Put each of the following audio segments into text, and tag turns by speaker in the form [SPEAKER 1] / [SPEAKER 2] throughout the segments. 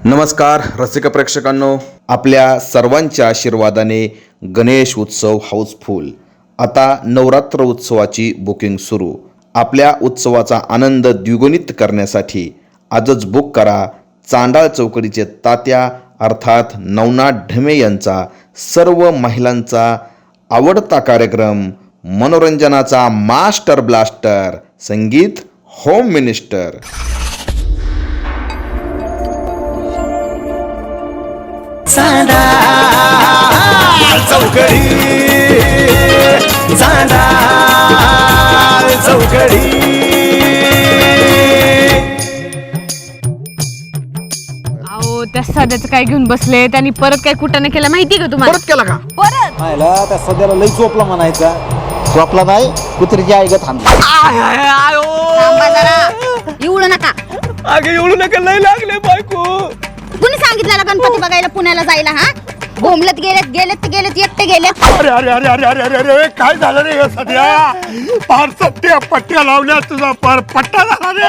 [SPEAKER 1] नमस्कार रसिक प्रेक्षकांनो, आपल्या सर्वांच्या आशीर्वादाने गणेश उत्सव हाऊसफुल. आता नवरात्र उत्सवाची बुकिंग सुरू. आपल्या उत्सवाचा आनंद द्विगुणित करण्यासाठी आजच बुक करा चांडाळ चौकडीचे तात्या अर्थात नवनाथ ढमे यांचा सर्व महिलांचा आवडता कार्यक्रम, मनोरंजनाचा मास्टर ब्लास्टर, संगीत होम मिनिस्टर.
[SPEAKER 2] चांडाळ चौकडी, चांडाळ चौकडी.
[SPEAKER 3] अहो त्या सध्याचं काय घेऊन बसले त्यांनी परत काय कुठं केलं माहिती का तुम्हाला?
[SPEAKER 4] परत केला का?
[SPEAKER 3] परत
[SPEAKER 5] पाहिला त्या सध्याला लई चोपला म्हणायचा. चोपला नाही, कुत्रीची आई गत थांबली.
[SPEAKER 3] थांबा जरा, एवढं नका.
[SPEAKER 4] अगे एवढं नका, लई लागले बायको.
[SPEAKER 3] कुणी सांगितलं गणपती बघायला पुण्याला जायला? हा बोंबलत गेलेत एकटे गेलेत.
[SPEAKER 4] अरे अरे अरे अरे अरे अरे अरे काय झालं रे हे सध्या? पार सत्या पट्ट्या लावल्या, तुझा पार पट्टा झाला रे.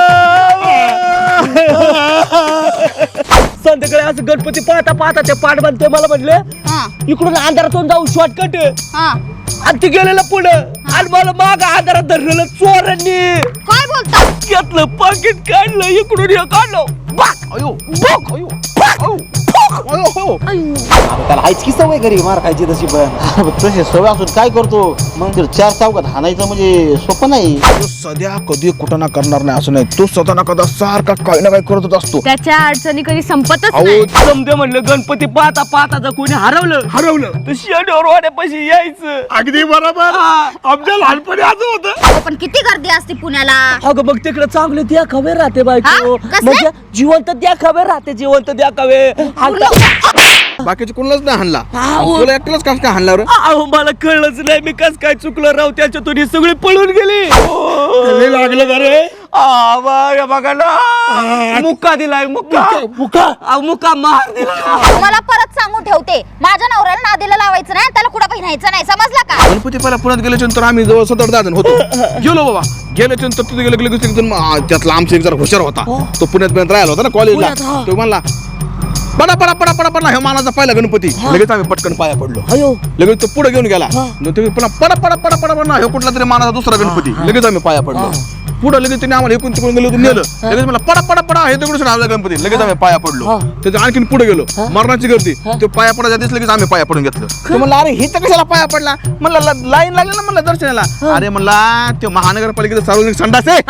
[SPEAKER 4] संध्याकाळी असं गणपती पाहता पाहता ते पाठ बांधते मला म्हणले इकडून अंधारातून जाऊ शॉर्टकट आणि ते गेलेलं पुढं आणि मला माग अंधारात धरलेलं चोरांनी
[SPEAKER 3] काय बोलता?
[SPEAKER 4] घेतलं, पाकिट काढलं, इकडून हे काढलं. बाक अयो बाक अयो बाक अयो बाक अयो.
[SPEAKER 5] त्याला हायची सवय घरी मार खायची तशी. पण तसे सवय असून काय करतो मग? चार चौकात हाणायचं म्हणजे सोपं नाही.
[SPEAKER 4] सध्या कधी कुठं ना करणार नाही असं नाही, तू स्वतः ना कदा सारखा काही ना काही करतच असतो.
[SPEAKER 3] त्याच्या अडचणी कधी संपतच
[SPEAKER 4] अहो
[SPEAKER 3] नाही.
[SPEAKER 4] समजे म्हणलं गणपती पाहता पाहता जर कोणी हरवलं तर शेडवर वाड्यापाशी यायचं. अगदी बरोबर, आमच्या लहानपणी असं होतं.
[SPEAKER 3] पण किती गर्दी असते पुण्याला.
[SPEAKER 4] अगं मग तिकडे चांगले द्या खबर राहते बायको,
[SPEAKER 3] हा? कसले?
[SPEAKER 4] म्हणजे जिवंत द्या खबर राहते, जिवंत द्या खवे. बाकीचे कोणालाच नाही हाणला, तुला एकट्यालाच कस काय हाणला रे? अहो मला कळलंच नाही मी कस काय चुकलं राव, त्याच्यातून सगळी पळून गेली. लागलं का रे? बघा ना, मुक्का दिलाय, मुक्का मार दिला.
[SPEAKER 6] तुम्हाला परत सांगून ठेवते, माझ्या नवऱ्याला नादीला लावायचं नाही, त्याला कुठं पहिरायचं नाही, समजला का?
[SPEAKER 4] गणपती पहिला पुण्यात गेल्याच्यानंतर आम्ही जवळ 7-8 जण होतो. गेलो बाबा, गेल्याच्यानंतर तिथे गेलं त्यातला आमचा एक जरा हुशार होता, तो पुण्यात राहिला होता ना कॉलेजला. तो म्हणला पडा पडा पडा पडा पडा, हे मानाचा पहिला गणपती. लगेच आम्ही पटकन पाया पडलो. लगेच तो पुढे घेऊन गेला. पुन्हा पडा पडा पडा पडा पडा, हे कुठला तरी मानाचा दुसरा गणपती. लगेच आम्ही पाया पडलो. पुढे लगेच त्याने आम्हाला एकूण तिकडून गेलो, नेलं. लगेच मला पडा पडा पडा, हे तिकडून आला गणपती. लगेच आम्ही पाया पडलो. त्याच्या आणखीन पुढे गेलो, मरणाची गर्दी. ते पाया पडायच्या दिवस लगेच आम्ही पाया पडून घेतलं. तो म्हणला अरे हे तर कशाला पाया पडला? म्हणलं लाईन लागली ना म्हणलं दर्शनाला. अरे म्हणला ते महानगरपालिकेचं सार्वजनिक संडास आहे.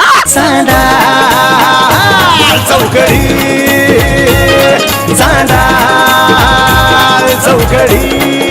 [SPEAKER 2] चांडाळ चौकडी, चांडाळ चौकडी.